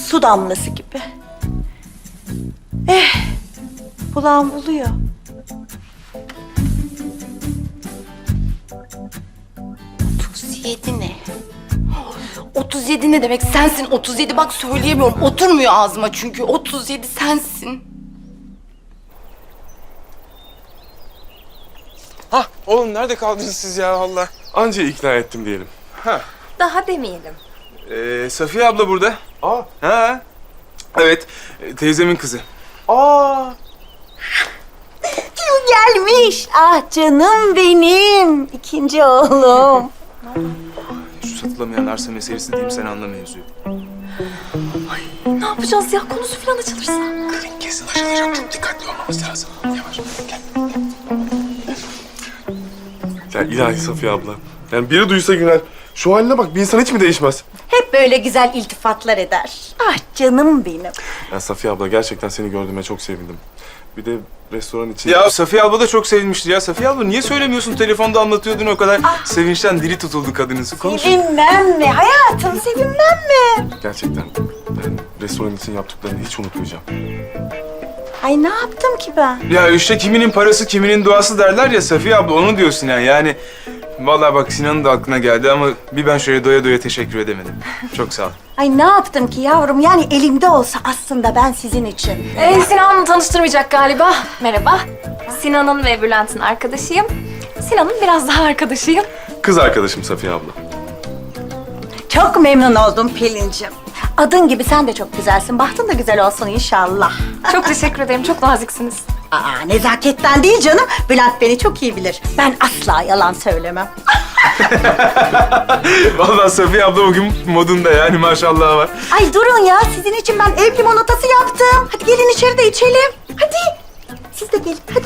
su damlası gibi. Bulan buluyor. Ne? 37 ne demek? Sensin 37. Bak söyleyemiyorum. Oturmuyor ağzıma çünkü. 37 sensin. Hah oğlum nerede kaldınız siz ya Allah? Anca ikna ettim diyelim. Daha demeyelim. Safiye abla burada. Aa. Ha? Evet, teyzemin kızı. Aa. Kim gelmiş? Ah canım benim. İkinci oğlum. Şu satılamayan arsa meselesi diyeyim, sen anla mevzuyu. Ne yapacağız ya? Konusu falan açılırsa. Kesin aşılacak, çok dikkatli olmamız lazım. Yavaş, gel. Ya ilahi Safiye abla. Yani biri duysa Güner, şu haline bak, bir insan hiç mi değişmez? Hep böyle güzel iltifatlar eder. Ah canım benim. Ya Safiye abla, gerçekten seni gördüğüme çok sevindim. Bir de restoran için... Ya Safiye abla da çok sevinmişti ya. Safiye abla niye söylemiyorsun? Telefonda anlatıyordun o kadar. Sevinçten dili tutuldu kadının. Konuş. Sevinmem mi? Hayatım sevinmem mi? Gerçekten yani restoran için yaptıklarını hiç unutmayacağım. Ay ne yaptım ki ben? Ya işte kiminin parası kiminin duası derler ya Safiye abla, onu diyorsun yani. Vallahi bak Sinan'ın da aklına geldi ama bir ben şöyle doya doya teşekkür edemedim. Çok sağ ol. Ay ne yaptım ki yavrum? Yani elimde olsa aslında ben sizin için. Sinan'ı tanıştırmayacak galiba. Merhaba. Sinan'ın ve Bülent'in arkadaşıyım. Sinan'ın biraz daha arkadaşıyım. Kız arkadaşım Safiye abla. Çok memnun oldum Pelin'cim. Adın gibi sen de çok güzelsin. Bahtın da güzel olsun inşallah. Çok teşekkür ederim. Çok naziksiniz. Aa, nezaketten değil canım. Bülent beni çok iyi bilir. Ben asla yalan söylemem. Vallahi Safiye abla bugün modunda yani, maşallah var. Ay durun ya. Sizin için ben ev limonatası yaptım. Hadi gelin içeride içelim. Hadi. Siz de gelin. Hadi.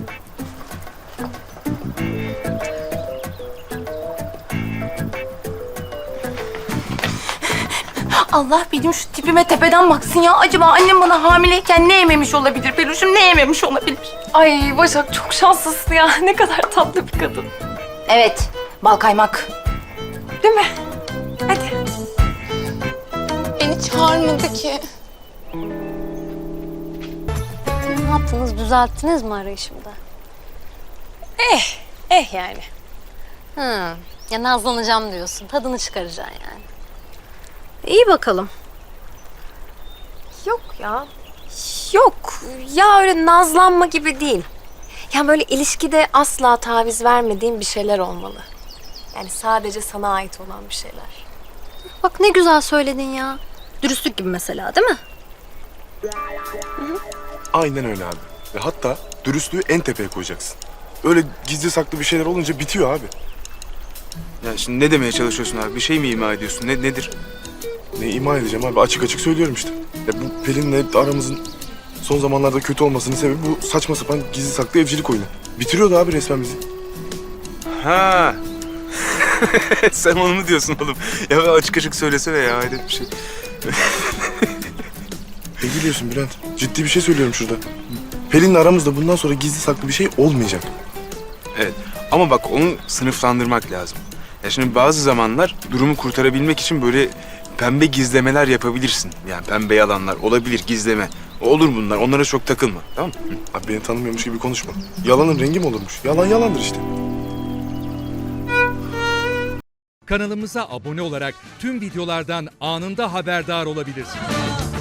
Allah benim şu tipime tepeden baksın ya. Acaba annem bana hamileyken ne yememiş olabilir Peluş'um? Ne yememiş olabilir? Ay Başak çok şanslısın ya. Ne kadar tatlı bir kadın. Evet, bal kaymak. Değil mi? Hadi. Beni çağırmadı ki. Ne yaptınız? Düzelttiniz mi arayışımda? Yani. Hı. Ya nazlanacağım diyorsun. Tadını çıkaracaksın yani. İyi bakalım. Yok ya. Yok. Ya öyle nazlanma gibi değil. Ya böyle ilişkide asla taviz vermediğim bir şeyler olmalı. Yani sadece sana ait olan bir şeyler. Bak ne güzel söyledin ya. Dürüstlük gibi mesela değil mi? Aynen öyle abi. Ve hatta dürüstlüğü en tepeye koyacaksın. Öyle gizli saklı bir şeyler olunca bitiyor abi. Ya şimdi ne demeye çalışıyorsun abi? Bir şey mi ima ediyorsun? Nedir? Ne ima edeceğim abi? Açık açık söylüyorum işte. Ya bu Pelin'le aramızın son zamanlarda kötü olmasının sebebi bu saçma sapan gizli saklı evcilik oyunu. Bitiriyordu abi resmen bizi. Ha. Sen onu mu diyorsun oğlum? Ya açık açık söylesene ya, hayret bir şey. Ne gülüyorsun Bülent? Ciddi bir şey söylüyorum şurada. Pelin'le aramızda bundan sonra gizli saklı bir şey olmayacak. Evet ama bak onu sınıflandırmak lazım. Ya şimdi bazı zamanlar durumu kurtarabilmek için böyle pembe gizlemeler yapabilirsin. Yani pembe yalanlar olabilir, gizleme. Olur bunlar, onlara çok takılma, tamam mı? Abi beni tanımıyormuş gibi konuşma. Yalanın rengi mi olurmuş? Yalan yalandır işte. Kanalımıza abone olarak tüm videolardan anında haberdar olabilirsiniz.